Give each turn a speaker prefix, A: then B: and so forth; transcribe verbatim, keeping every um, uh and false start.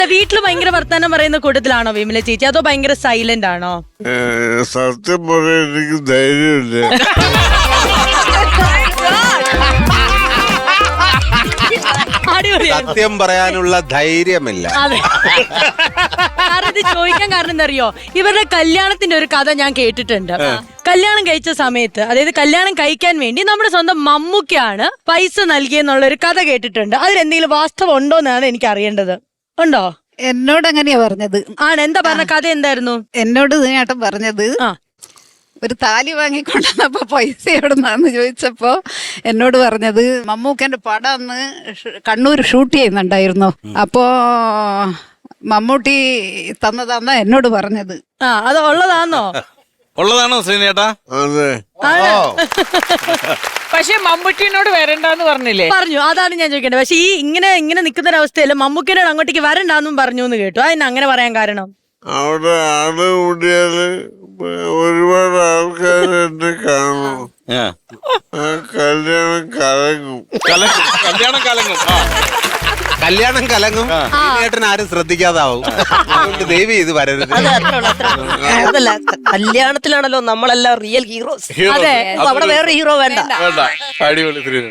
A: വീട്ടില് ഭയങ്കര വർത്താനം പറയുന്ന കൂട്ടത്തിലാണോ വിമല ചേച്ചി, അതോ ഭയങ്കര സൈലന്റ് ആണോ?
B: സത്യം പറയാൻ എനിക്ക് ധൈര്യമില്ല.
C: സത്യം പറയാനുള്ള ധൈര്യമില്ല.
A: അതെ, കാരണം ഇത് ചോദിക്കാൻ കാരണം എന്താ അറിയോ, ഇവരുടെ കല്യാണത്തിന്റെ ഒരു കഥ ഞാൻ കേട്ടിട്ടുണ്ട്. കല്യാണം കഴിച്ച സമയത്ത്, അതായത് കല്യാണം കഴിക്കാൻ വേണ്ടി നമ്മുടെ സ്വന്തം മമ്മൂക്കയാണ് പൈസ നൽകിയെന്നുള്ള ഒരു കഥ കേട്ടിട്ടുണ്ട്. അതിലെന്തെങ്കിലും വാസ്തവം ഉണ്ടോ എന്നാണ് എനിക്ക് അറിയേണ്ടത്. ഉണ്ടോ?
D: എന്നോട് അങ്ങനെയാ പറഞ്ഞത്.
A: ആണ്, എന്താ പറഞ്ഞ കഥ എന്തായിരുന്നു?
D: എന്നോട് ചേട്ടൻ പറഞ്ഞത്, ഒരു താലി വാങ്ങിക്കൊണ്ടുവന്നപ്പോ പൈസ എവിടുന്നാന്ന് ചോദിച്ചപ്പോ എന്നോട് പറഞ്ഞത്, മമ്മൂക്കന്റെ പടം അന്ന് കണ്ണൂർ ഷൂട്ട് ചെയ്യുന്നുണ്ടായിരുന്നു, അപ്പോ മമ്മൂട്ടി തന്നതാന്നാ എന്നോട് പറഞ്ഞത്.
A: ആ, അത് ഉള്ളതാന്നോ?
E: ഉള്ളതാണോ ശ്രീനേട്ടാ?
B: അതെ.
F: പക്ഷെ മമ്മൂട്ടിനോട് വരണ്ടെന്ന് പറഞ്ഞില്ലേ?
A: പറഞ്ഞു, അതാണ് ഞാൻ ചോദിക്കേണ്ടത്. പക്ഷെ ഈ ഇങ്ങനെ ഇങ്ങനെ നിൽക്കുന്ന ഒരവസ്ഥയിൽ മമ്മൂക്കിനോട് അങ്ങോട്ടേക്ക് വരണ്ടെന്നും പറഞ്ഞു എന്ന് കേട്ടു. അതിന് അങ്ങനെ പറയാൻ കാരണം?
B: അവിടെ ആള് കൂടിയാല് ഒരുപാട് ആൾക്കാർ എന്നെ കാണും. ആ കല്യാണം കലങ്ങും.
E: കല്യാണം കലങ്ങും.
C: കല്യാണം കലങ്ങും. ചേട്ടൻ ആരും ശ്രദ്ധിക്കാതാവും. അതുകൊണ്ട് ദേവി ഇത് വരരുത്.
G: അതല്ല, കല്യാണത്തിലാണല്ലോ നമ്മളെല്ലാം റിയൽ ഹീറോസ്.
A: അതെ,
G: അവിടെ വേറെ ഹീറോ വേണ്ട.
E: വേണ്ട, അടിപൊളി.